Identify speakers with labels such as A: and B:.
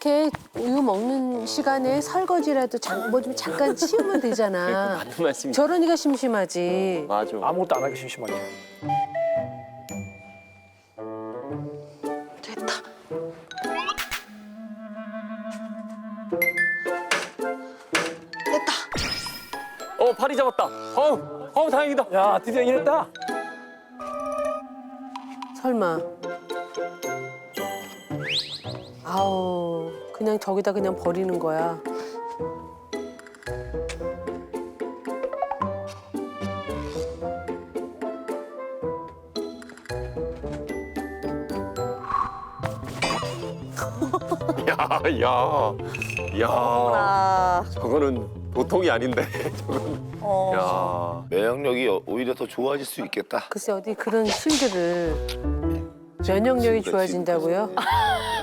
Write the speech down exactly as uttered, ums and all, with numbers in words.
A: 이렇게 우유 먹는 시간에 설거지라도 뭐 좀 잠깐 치우면 되잖아.
B: 맞는 말씀이.
A: 저러니까 심심하지.
B: 맞아.
C: 아무것도 안 하기 심심하게.
D: 됐다. 됐다.
B: 어 파리 잡았다. 어우 어우 다행이다.
C: 야, 드디어 이랬다.
A: 설마. 아우, 그냥 저기다 그냥 버리는 거야.
B: 야, 야, 야.
D: 아,
B: 저거는 보통이 아닌데. 저건.
D: 어.
B: 야.
E: 면역력이 오히려 더 좋아질 수 있겠다.
A: 글쎄 어디 그런 술들을 면역력이 좋아진다고요?